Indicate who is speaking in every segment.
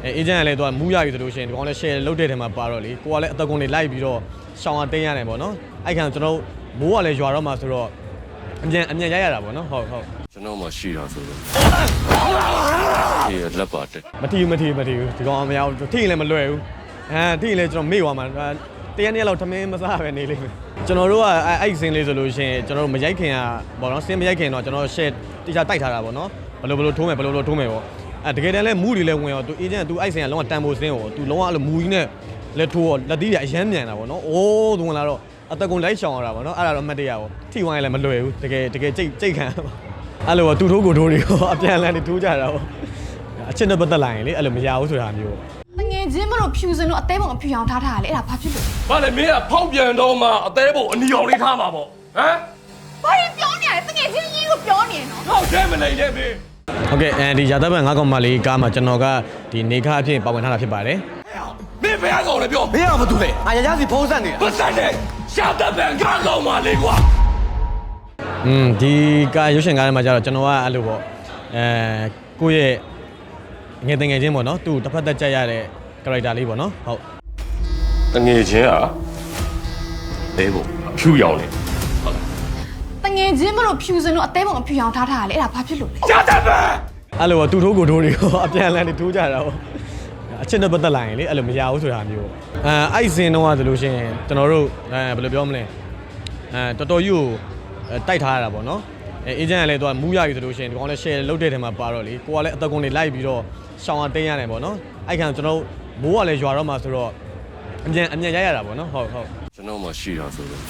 Speaker 1: agent ကလည်းသူကမူးရပြီဆိုလို့ရှိရင်ဒီကောင်လည်း share လုပ်တဲ့ထဲမှာပါတော့လေကိုကလည်းအသက်ကုန်တွေလိုက်ပြီးတော့ရှောင်းရတင်းရတယ်ပေါ့နော်အဲ့ခံကျွန်တော်မိုးကလည်းရွာတော့မှဆိုတော့အမြန်ရိုက်ရတာပေါ့နော်ဟုတ်
Speaker 2: ကျွန်တော်မှရှိတာဆိုတော့လက်ပါတယ်
Speaker 1: မထီဘူးဒီကောင်မရဘူးထိရင်လည်းမလွယ်ဘူးထိရင်လည်းကျွန်တော်မေ့သွားမှာတရက်နေ့လောက်ထမင်းမစားပဲနေလိမ့်မယ်ကျွန်တော်တို့ကအဲ့စင်းလေးဆိုလို့ရှိရင်ကျွန်တော်တို့မရိုက်ခင်ကပေါ့နော်စင်းမရိုက်ခင်တော့ကျွန်တော် share တိကျတိုက်ထားတာပေါ့နော်ဘယ်လိုထိုးမယ်ပေါ့တကယ်တမ်းလဲမူးတွေလဲဝင်ရောသူ agent သူအဲ့စင်ကလုံးဝတန်ဖိုးစင်းကိုသူလုံးဝအဲ့လိုမူကြီးနဲ့လက်ထိုးရောလက်သီးတွေအရမ်းမြန်တာပေါ့နော်အိုးသူဝင်လာတော့အသက်ကုန်လိုက်ရှောင်ရတာပေါ့နော်အဲ့ဒါတော့အမှတ်တရပေါ့ထိဝိုင်းလည်းမလွယ်ဘူးတကယ်ကြိတ်ခံအဲ့လိုသူထိုးကိုထိုးတွေကိုအပြန်လန်းနေထိုးကြတာပေါ့အချက်နဲ့ပတ်သက်လာရင်လေအဲ့လိုမရဘူးဆိုတာမျိုး
Speaker 3: ငယ်ချင်းမလို့ဖြူစင်လို့အသေးပုံအဖြူအောင်ထားတာလေအဲ့ဒါဘာဖြစ်လို့
Speaker 2: ဘာလဲမင်းကဖောက်ပြန်တော့မှအသေးပုံအနီအောင်လေးထားမှာပေါ့ဟမ်
Speaker 3: ဘာရင်ပြောနေရလဲငယ်ချင်းကြီးကိုပြောနေနော်
Speaker 2: ဟုတ်တယ်မလိုက်နဲ့မင်း
Speaker 1: ဟုတ်ကဲ့ဒီရာသက်ပံ9កောင်မလေးကားမှာကျွန်တော်ကဒီနေခါအဖြစ်ပါဝင်ထားတာဖြစ်ပါတယ်
Speaker 2: မင်းဘယ်ကောင်လဲပြော
Speaker 4: မင်းကဘာတူလဲငါရရစီဖုံးဆက်နေတာ
Speaker 2: ပတ်ဆက်နေရာသက်ပံ9កောင်မလေးကွာ
Speaker 1: ဒီကားရုပ်ရှင်ကားထဲမှာကျတော့ကျွန်တော်ကအဲ့လိုပေါ့ကိုယ့်ရဲ့ငယ်ချင်းပေါ့နော်သူ့တစ်ဖက်သက်ကြက်ရတဲ့ character လေးပေါ့နော်ဟုတ်
Speaker 2: ငယ်ချင်းอ่ะတဲဖို့ဖြူရောင်လေ
Speaker 3: ငယ်ချင်းမလို့ဖြူစင်လို့အသေးပုံအဖြူအောင်ထားတာလေအဲ့ဒါဘာဖြစ်လို့လဲ
Speaker 2: ရာသက်ပံ
Speaker 1: အဲ့လိုသူ့ထိုးကိုထိုးတွေကိုအပြန်လန်းနေထိုးကြတာပေါ့အချက်နဲ့ပတ်သက်လာရင်လေအဲ့လိုမရဘူးဆိုတာမျိုးအဲ့စင်တော့ဆိုလို့ရှိရင်ကျွန်တော်တို့ဘယ်လိုပြောမလဲတော်တော်ကြီးကိုတိုက်ထားရတာပေါ့နော်agent ကလည်းသူကမူးရပြီဆိုလို့ရှိရင်ဒီကောင်လည်း share လုပ်တဲ့ထဲမှာပါတော့လေကိုကလည်းအသက်ကုန်တွေလိုက်ပြီးတော့ရှောင်းရတင်းရတယ်ပေါ့နော်အဲ့ခံကျွန်တော်မိုးကလည်းရွာတော့မှဆိုတော့အမြန်ရိုက်ရတာပေါ့နော်ဟုတ်
Speaker 2: ကျွန်တော်မှရှိတာဆိုတော့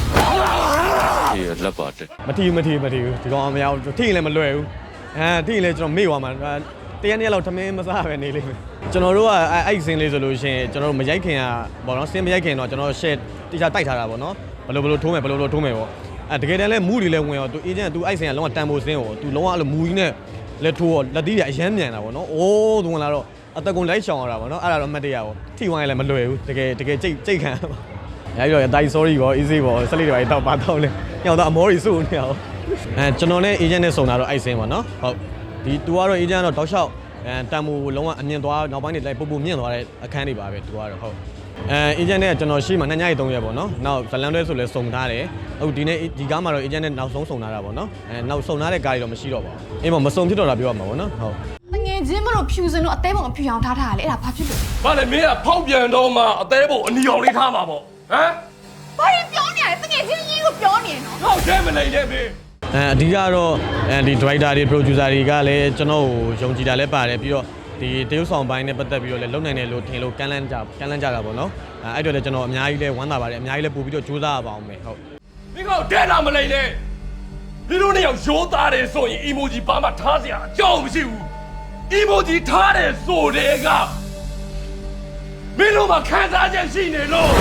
Speaker 2: လက်ပါတယ်
Speaker 1: မထီဘူးဒီကောင်မရဘူးထိရင်လည်းမလွယ်ဘူးထိရင်လည်းကျွန်တော်မေ့သွားမှာတရက်နေ့လောက်ထမင်းမစားပဲနေလိမ့်မယ်ကျွန်တော်တို့ကအဲ့စင်းလေးဆိုလို့ရှိရင်ကျွန်တော်တို့မရိုက်ခင်ကပေါ့နော်စင်းမရိုက်ခင်တော့ကျွန်တော် share တိကျတိုက်ထားတာပေါ့နော်ဘယ်လိုထိုးမယ်ပေါ့တကယ်တမ်းလဲမူးတွေလဲဝင်ရောသူ agent သူအဲ့စင်ကလုံးဝတန်ဖိုးစင်းကိုသူလုံးဝအဲ့လိုမူကြီးနဲ့လက်ထိုးရောလက်သီးတွေအရမ်းမြန်တာပေါ့နော်အိုးသူဝင်လာတော့အသက်ကုန်လိုက်ရှောင်ရတာပေါ့နော်အဲ့ဒါတော့အမှတ်တရပေါ့ထိဝိုင်းလည်းမလွယ်ဘူးတကယ်ကြိတ်ခံရပြီးတော့အတိုင်း sorry ပေါ့ easy ပေါ့ဆက်လေးတွေတော့ပါတော့လဲညောင်တော့အမောတွေစုနေအောင်ကျွန်တော်နဲ့ agent နဲ့စုံတာတော့အဲ့စင်ပေါ့နော်ဟုတ်ဒီသူကတော့ agent ကတော့တောက်လျှောက်တန်ဖိုးလုံးဝအမြင့်သွားနောက်ပိုင်းတွေလိုက်ပို့မြင့်သွားတဲ့အခန်းတွေပါပဲသူကတော့ဟုတ်agent နဲ့ကျွန်တော်ရှိမှ2ညရီ3ရက်ပေါ့နော်နောက်ဇလန်တွဲဆိုလဲစုံထားတယ်အခုဒီနေ့ဒီကားမှာတော့ agent နဲ့နောက်ဆုံးစုံထားတာပေါ့နော်နောက်စုံထားတဲ့ကားတွေတော့မရှိတော့ပါဘူးအေးမစုံဖြစ်တော့တာပြောရမှာပေါ့နော်ဟုတ်
Speaker 3: ငယ်ချင်းမလို့ဖြူစင်လို့အသေးပုံအဖြူအောင်ထားတာလေအဲ့ဒါဘာဖြစ်လို့
Speaker 2: ဘာလဲမင်းကဖောက်ပြန်တော့မှအသေးပုံအနီအောင်လေးထားမှာပေါ့ဟမ်
Speaker 3: ဘာရင်ပြောနေရလဲငယ်ချင်းကြီးကိုပြောနေနော်
Speaker 2: ဟုတ်တယ်မလိုက်နဲ့မင်း
Speaker 1: အဓိကတော့ဒီ director တွေ producer တွေကလည်းကျွန်တော်ကိုယုံကြည်တာလည်းပါတယ်ပြီးတော့ဒီတရုတ်ဆောင်ပိုင်းနဲ့ပတ်သက်ပြီးတော့လည်းလုံနိုင်တယ်လို့ထင်လို့ကမ်းလှမ်းကြတာပေါ့နော်အဲ့တော့လည်းကျွန်တော်အများကြီးလဲဝမ်းသာပါတယ်အများကြီးလဲပို့ပြီးတော့ကြိုးစားရပါအောင်မယ်ဟုတ်
Speaker 2: မင်းကတဲလာမလိုက်နဲ့ဒီလိုနဲ့ရောက်ရိုးသားတယ်ဆိုရင် emoji ဘာမှထားစရာအကြောင်းမရှိဘူး emoji ထားတယ်ဆိုတဲ့ကမင်းတို့မှခံစားချက်ရှိနေလို့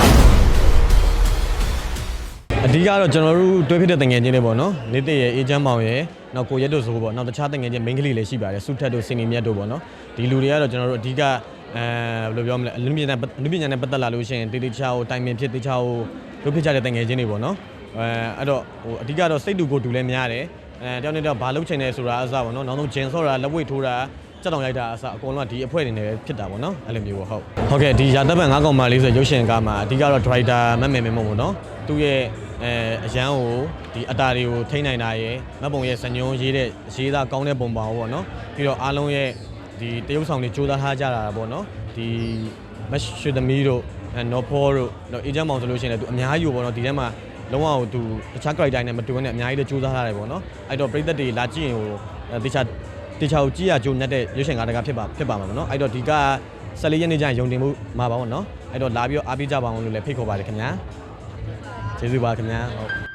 Speaker 1: အဓိကတော့ကျွန်တော်တို့တွဲဖြစ်တဲ့တငယ်ချင်းတွေပေါ့နော်နေတရဲ့အေဂျင့်မောင်ရဲ့နောက်ကိုရက်တို့ဆိုပေါ့နောက်တခြားတငယ်ချင်းမိန်းကလေးလည်းရှိပါတယ်စုထက်တို့စင်နီမြတ်တို့ပေါ့နော်ဒီလူတွေကတော့ကျွန်တော်တို့အဓိကဘယ်လိုပြောမလဲအလူပညာနဲ့ပတ်သက်လာလို့ရှိရင်တေချာကိုတိုင်ပင်ဖြစ်တေချာကိုလုပ်ဖြစ်ကြတဲ့တငယ်ချင်းတွေပေါ့နော်အဲ့တော့အဓိကတော့စိတ်တူကိုတူလည်းများတယ်တယောက်နဲ့တယောက်ဘာလုပ်ချင်တယ်ဆိုတာအစပေါ့နော်နောက်ဆုံးဂျင်ဆော့တာလက်ဝိတ်ထိုးတာစက်တောင်ရိုက်တာအစအကုန်လုံးကဒီအဖွဲ့တွေနဲ့ပဲဖြစ်တာပေါ့နော်အဲ့လိုမျိုးပေါ့ဟုတ်ကဲ့ဒီရာသက်ပံ9កောင်မလေးဆိုရုပ်ရှင်ကားမှာအဓိကတော့ director မမေမို့ပေါ့နော်သူ့ရဲ့အရန်ကိုဒီအတာတွေကိုထိန်းနိုင်တာရယ်မတ်ပုံရဲ့စညုံရေးသားကောင်းတဲ့ပုံပါပေါ့နော်ပြီးတော့အားလုံးရဲ့ဒီတရုပ်ဆောင်တွေစူးစမ်းထားကြတာပေါ့နော်ဒီမက်ရှူသမီးတို့နော်ဖောတို့နော်အေဂျင့်မောင်ဆိုလို့ရှိရင်လည်းသူအများကြီးပေါ့နော်ဒီထဲမှာလုံးဝသူတခြား character နဲ့မတူဘဲနဲ့အများကြီးလည်းစူးစမ်းထားတယ်ပေါ့နော်အဲ့တော့ပရိသတ်တွေလာကြည့်ရင်ဟိုတေချာကိုကြည့်ရကြိုးနဲ့တဲ့ရုပ်ရှင်ကားတကားဖြစ်ပါမှာပေါ့နော်အဲ့တော့ဒီက14ရက်နေ့ကျရင်ယုံတင်မှုမှာပါပေါ့နော်အဲ့တော့လာပြီးတော့အားပေးကြပါအောင်လို့လည်းဖိတ်ခေါ်ပါတယ်ခင်ဗျာကျေးဇူးပါခင်ဗျာဟုတ်